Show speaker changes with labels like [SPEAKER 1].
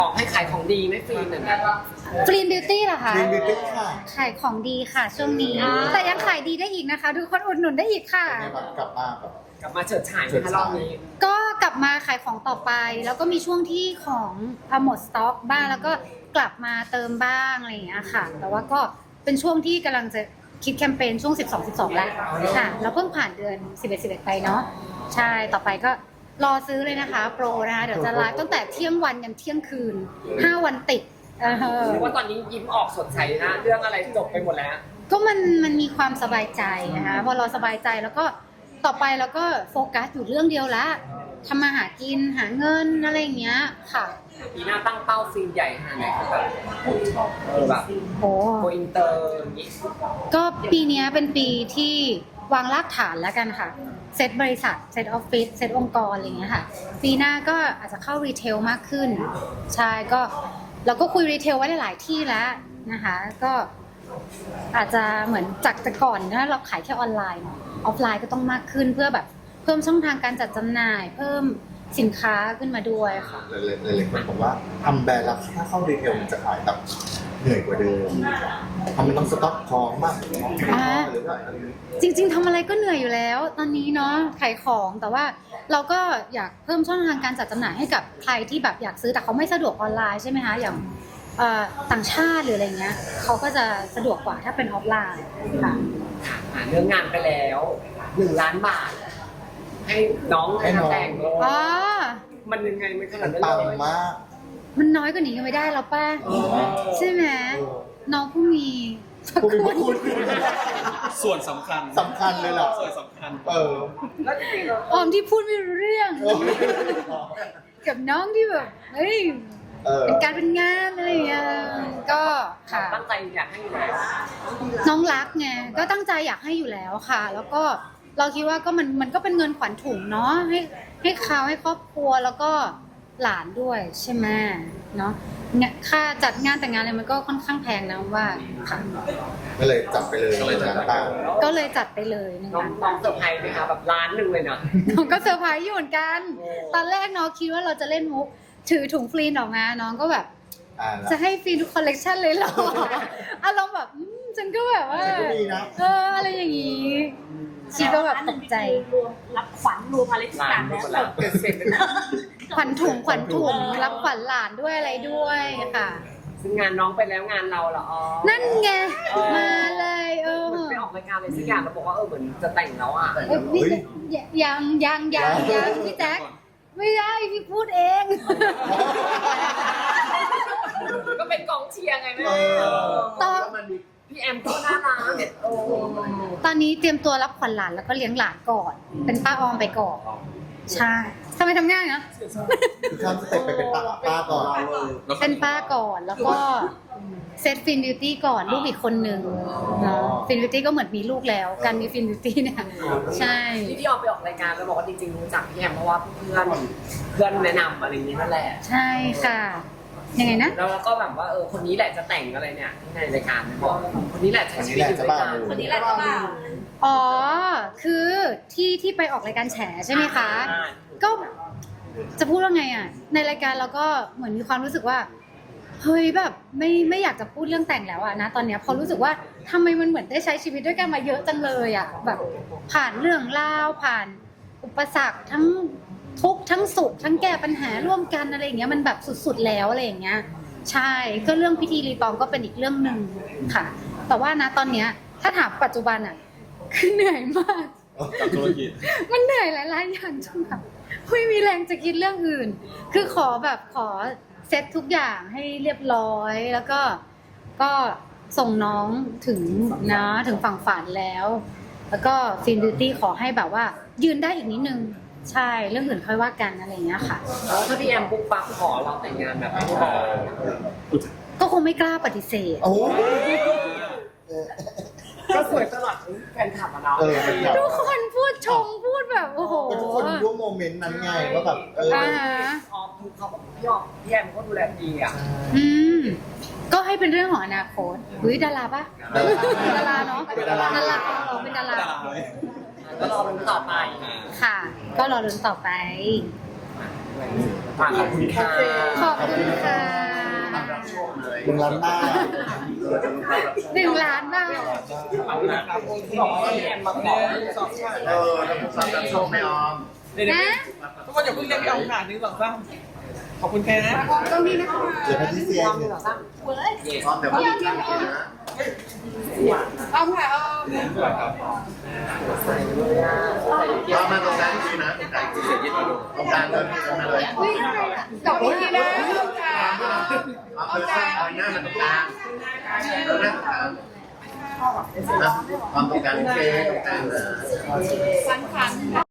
[SPEAKER 1] ของให้ขายของดีไม่ฟรีเหมือนกัน
[SPEAKER 2] ฟรีนบิวตี้เหรอคะ
[SPEAKER 3] Green Beauty ค่ะ
[SPEAKER 2] ขายของดีค่ะช่วงนี้ แต่ยังขายดีได้อีกนะคะ ทุกคนอุดหนุนได้อีกค่ะ
[SPEAKER 3] เป็นไงบ้างกลับมาแบบ
[SPEAKER 1] กลับมาเฉิดฉายนะคะรอบนี้
[SPEAKER 2] ก็กลับมาขายของต่อไป แล้วก็มีช่วงที่ของหมดสต็อกบ้างแล้วก็กลับมาเติมบ้างอะไรอย่างเงี้ยค่ะ แต่ว่าก็เป็นช่วงที่กำลังจะคิดแคมเปญช่วง 12 แล้วค่ะแล้วเพิ่งผ่านเดือน 11 ไปเนาะใช่ต่อไปก็รอซื้อเลยนะคะโปรนะคะเดี๋ยวจะไลฟ์ตั้งแต่เที่ยงวันยันเที่ยงคืน5 วันติด
[SPEAKER 1] หรือว่าตอนนี้ยิ้มออกสดใสนะเรื่องอะไรจบไปหมดแล้ว
[SPEAKER 2] ก็มันมีความสบายใจนะคะพอเราสบายใจแล้วก็ต่อไปเราก็โฟกัสอยู่เรื่องเดียวละทำมาหากินหาเงินอะไรอย่างเงี้ยค่ะ
[SPEAKER 1] ปีหน้าตั้งเป้าฟิล์มใหญ่ขนาดไหนครับแบบ
[SPEAKER 2] โอ้
[SPEAKER 1] โกอินเตอร์อย่างนี้
[SPEAKER 2] ก็ปีเนี้ยเป็นปีที่วางรากฐานแล้วกันค่ะเซตบริษัทเซตออฟฟิศเซตองค์กรอะไรอย่างเงี้ยค่ะปีหน้าก็อาจจะเข้ารีเทลมากขึ้นใช่ก็เราก็คุยรีเทลไว้หลายๆที่แล้วนะคะก็อาจจะเหมือนจากแต่ก่อนนะเราขายแค่ออนไลน์เนาะออฟไลน์ก็ต้องมากขึ้นเพื่อแบบเพิ่มช่องทางการจัดจำหน่าย เพิ่มสินค้าขึ้นมาด้วยค่ะ
[SPEAKER 3] เลยคนบอกว่าทำแบรนด์แล้วถ้าเข้ารีเทลมันจะขายแบบเหนื่อยกว่าเดิมทำมันต้องสต็อกของมากหรือว่าอะไรนี้
[SPEAKER 2] จริงๆทำอะไรก็เหนื่อยอยู่แล้วตอนนี้เนาะขายของแต่ว่าเราก็อยากเพิ่มช่องทางการจัดจำหน่ายให้กับใครที่แบบอยากซื้อแต่เขาไม่สะดวกออนไลน์ใช่ไหมคะอย่างต่างชาติหรืออะไรเงี้ยเขาก็จะสะดวกกว่าถ้าเป็นออฟไลน์ค่ะ
[SPEAKER 1] เรื่องงานไปแล้ว1 ล้านบาท ให้น้องแต่งเลย
[SPEAKER 2] อ๋อ
[SPEAKER 1] มันยังไงมันขนา
[SPEAKER 3] มั
[SPEAKER 1] ด
[SPEAKER 3] น
[SPEAKER 1] นั้น
[SPEAKER 3] ปัง
[SPEAKER 1] เลย
[SPEAKER 3] มาก
[SPEAKER 2] มันน้อยกว่านี้ก็ไม่ได้แล้วป้าใช่ไหมน้องผู้มีพระ
[SPEAKER 3] ผู้มีพ
[SPEAKER 2] คุ
[SPEAKER 3] ระ
[SPEAKER 2] ณ
[SPEAKER 3] คุณ
[SPEAKER 4] ส่วนสำคัญ
[SPEAKER 3] สำคัญเลยล่ะ
[SPEAKER 4] ส่วนสำคัญ
[SPEAKER 1] แล้วจริงๆเรา
[SPEAKER 2] ออมที่พูดไม่รู้เรื่อง กับน้องที่แบบเฮ้ยเป็นการเป็นงานอะไรอย่างเงี้ยก็ค่ะ
[SPEAKER 1] ตั้งใจอยากให้อยู่แล้ว
[SPEAKER 2] น้องรักไงก็ตั้งใจอยากให้อยู่แล้วค่ะ แล้วก็เราคิดว่าก็มันก็เป็นเงินขวัญถุงเนาะให้เขาให้ครอบครัวแล้วก็หลานด้วยใช่ไหมเนาะเนี่ยค่าจัดงานแต่งงานอะไรมันก็ค่อนข้างแพงนะว่าค่ะ
[SPEAKER 3] ก็เลยจับไปเลยงานตั้ง
[SPEAKER 2] ก็เลยจัดไปเลยหนึ่ง
[SPEAKER 1] น้อง
[SPEAKER 2] ล้าน
[SPEAKER 1] น้องเซอร์ไพรส์ไหมคะแบบล้านหนึ่งเลยนะ
[SPEAKER 2] น้องก็เซอร์ไพรส์อยู่เหมือนกัน ตอนแรกน้องคิดว่าเราจะเล่นมุกถือถุงฟรีนออกมาน้องก็แบบ จะให้ฟรีทุกคอลเลกชันเลยเหรอ อารมณ์แบบฉันก็แบบว่า
[SPEAKER 3] ฉันก็มีนะ
[SPEAKER 2] อะไรอย่างงี้ชีก็แบบตกใจ
[SPEAKER 5] รวมรับขวัญรวมอะไรทุกอย่างแล้ว
[SPEAKER 1] ล้านเสร็จเลยนะ
[SPEAKER 2] ขวัญถุงรับขวัญหลานด้วยอะไรด้วยค่ะ
[SPEAKER 1] ซึ่งงานน้องไปแล้วงานเราเหรออ๋อ
[SPEAKER 2] นั่นไงมาเลย
[SPEAKER 1] เหมือนไปออกรายการอะไรสักอย่างแล้วบอกว่าเหมือนจะแต่งแล้วอ่ะ
[SPEAKER 2] นี่ยังพี่แจ๊คไม่ได้พี่พูดเอง
[SPEAKER 1] ก็เป็นกองเชียร์ไงแม่
[SPEAKER 2] ตอน
[SPEAKER 1] พี่แอมก็น่ารักโอ้
[SPEAKER 2] ตอนนี้เตรียมตัวรับขวัญหลานแล้วก็เลี้ยงหลานก่อน เป็นป้าออมไปก่อนใช่ทำไมทำง่ายนะ
[SPEAKER 3] คือข้ามสเต็ปไปเป็นป้าก่อน
[SPEAKER 2] เป็นป้าก่อนแล้วก็เซตฟินบิวตี้ก่อนลูกอีกคนหนึ่งเนาะฟินบิวตี้ก็เหมือนมีลูกแล้วการมีฟินบิวตี้เนี่ยใช่
[SPEAKER 1] ที่พี่ออมไปออกรายการแล้วบอกว่าจริงๆรู้จักพี่แอมเพราะว่าเพื่อนแนะนำอะไรอย่างนี้นั่นแหละ
[SPEAKER 2] ใช่ค่ะ ยังไงนะ
[SPEAKER 1] แล้วก็แบบว่าคนนี้แหละจะแต่งอะไรเนี่ยที่ในรายการบอกคนนี้แหละใช้ชีวิตอยู่ด้วยกัน
[SPEAKER 5] คนนี้แหละจะเปล่า
[SPEAKER 2] อ๋อคือที่ไปออกรายการแฉใช่ไหมคะ ก็จะพูดว่าไงอ่ะในรายการเราก็เหมือนมีความรู้สึกว่าเฮ้ยแบบไม่อยากจะพูดเรื่องแต่งแล้วอะนะตอนเนี้ยพอรู้สึกว่าทำไมมันเหมือนได้ใช้ชีวิตด้วยกันมาเยอะจังเลยอะแบบผ่านเรื่องราวผ่านอุปสรรคทั้งทุกข์ทั้งสุขทั้งแก้ปัญหาร่วมกันอะไรอย่างเงี้ยมันแบบสุดๆแล้วอะไรอย่างเงี้ยใช่ก็เรื่องพิธีรีตองก็เป็นอีกเรื่องหนึ่งค่ะ แต่ว่านะตอนเนี้ยถ้าถามปัจจุบันอะคือเหนื่อยมาก
[SPEAKER 4] กับธุรกิจ
[SPEAKER 2] มันเหนื่อยหลายๆอย่างจนแบบไม่มีแรงจะคิดเรื่องอื่น คือขอเซ็ตทุกอย่างให้เรียบร้อย แล้วก็ส่งน้องถึงฝั่งฝันแล้ว แล้วก็ฟินบิวตี้ขอให้แบบว่ายืนได้อีกนิดนึง ใช่ เรื่องอื่นค่อยว่ากันอะไรอย่างเงี้ยค่ะ
[SPEAKER 1] แล้วถ้าพี่แอมปุ๊บปั๊บขอเราแต่งงานแบบไม่บอก
[SPEAKER 2] ก็คงไม่กล้าปฏิเสธ
[SPEAKER 3] โอ้โห
[SPEAKER 1] ก็สวยตลอดแฟนคลับอะเนาะ
[SPEAKER 3] เป็นแบบ
[SPEAKER 2] ทุกคนพูดชมพูดแบบโอ้โห
[SPEAKER 3] ก็ทุกคนรู้โมเมนต์นั้นไงว่าแบบ
[SPEAKER 2] อ่า
[SPEAKER 1] ออมเขาบอกพี่ออมพี่แอมเขาดูแลดีอ่ะ
[SPEAKER 2] อืมก็ให้เป็นเรื่องของอนาคตอุ้ยดาราปะดาราเนาะ
[SPEAKER 3] เป็นดารา
[SPEAKER 2] เราเป็นดารา
[SPEAKER 1] ก็รอลุ้นต่อไป
[SPEAKER 2] ค่ะ ก็รอลุ้นต่อไป
[SPEAKER 3] ต
[SPEAKER 1] ฝากขอบคุณค่ะ
[SPEAKER 2] ขอบคุณค่ะ
[SPEAKER 3] 1 ล้านบาท
[SPEAKER 2] 1 ล้านบาท
[SPEAKER 1] เอาละครับที่บอกว่าพี่แอมมาขอ
[SPEAKER 3] แล้วผมสั่งการโชคไม่ออม
[SPEAKER 2] นะ
[SPEAKER 1] ทุกคนอย่าเพิ่งเรียกพี่ออมค่ะ1 2 3ขอบคุณแค่นะ
[SPEAKER 2] ตรงนี้นะคะ
[SPEAKER 3] เดี๋ยวให้พี่เซียน
[SPEAKER 1] 1 2 3
[SPEAKER 3] ออมเดี๋ยวพี่เซียนนะ
[SPEAKER 2] เอาค่ะเอา
[SPEAKER 1] ใส่เลยอ่ะ
[SPEAKER 3] เอามาตรงกลางนี่นะตรงกลางเสียยึดมาดูตรงกลางเลยตรงมาเลย
[SPEAKER 2] อุ้ยดอกนี้นะ
[SPEAKER 3] เอาเลยเอาหน้ามันตรงกลางเอาหน้าตรงกลางนะความตรงกลางเกตรงกลางเลย
[SPEAKER 2] ฟัน